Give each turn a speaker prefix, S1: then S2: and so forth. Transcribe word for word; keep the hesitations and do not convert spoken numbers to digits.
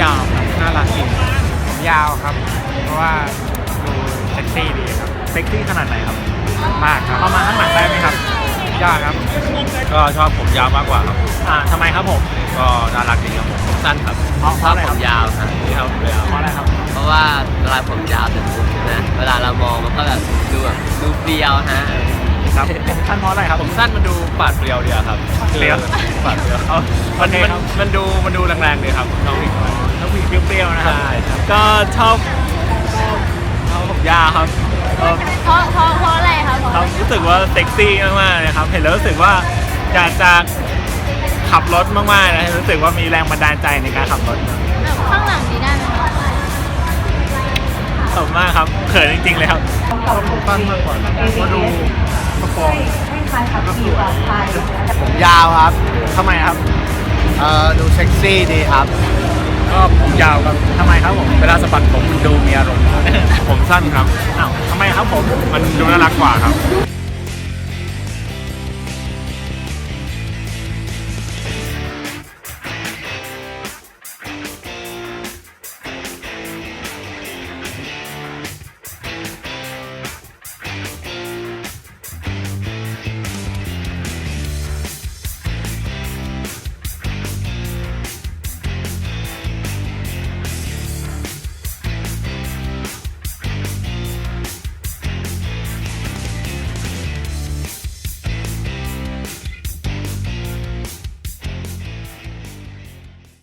S1: ยาวครับน่ารักจริง
S2: ผมยาวครับเพราะว่าดูเซ็กซี่ดีครับ
S1: เซ็กซี่ขนาดไหนครับ
S2: มากครับ
S1: เอามาข้างหลังได้ไหมครับ
S2: ยากครับ
S3: ก็ชอบผมยาวมากกว่าครับ
S1: อ่าทำไมครับผม
S3: ก็น่ารักดีครับผมผมสั้นครับ
S1: เพราะเพราะอะไร
S4: ผ
S1: ครับ
S4: มยาวครับ
S3: นี่ครับเลยครับ
S1: เพราะอะไรครับ
S4: เพราะว่าเวลาผมยาวเสร็จปุ๊บนะเวลาเรามองมันก็แบบดูแบบดูเปรียวฮะ
S1: ครับผมสั้นเพราะอะไรครับ
S3: ผมสั้นมันดูปาดเปรียวดีอะครับ
S1: เปรียว
S3: ปาดเปรียว
S1: เอา
S3: มัน
S1: โอเค
S3: มัน
S1: ครับ
S3: มันดูมันดูแรงๆดีครับน้องผู้หญิงน้อย
S1: แล้วผู้หญิงเปรี้ยวๆนะครับ
S3: ใช่ครับ
S1: ก็ชอบชอบผมยาวครับเออ
S5: เพราะเพราะเพราะอะไรคะเพราะ
S1: เรารู้สึกว่าเซ็กซี่มากๆเลยครับ เห็นแล้วรู้สึกว่าอยากจะขับรถมากๆนะรู้สึกว่ามีแรงบันดาลใจในการขับรถ
S5: ข้างหลังนี้ได้ไหมคะ
S1: ขอบคุณมากครับเขินจริงๆเลยครับชอบผมสั้นมากกว่ามาดูกระโปรงก็สวย
S2: ผมยาวครับ
S1: ทำไมครับ
S2: เอ่อดูเซ็กซี่ดีครับ
S1: ก็ผมยาวครับทำไมครับผม
S3: เวลาสะบัดผมมันดูมีอารมณ์ ผมสั้นครับ
S1: อ้าวทำไมครับผม
S3: มันดูน่ารักกว่าครับ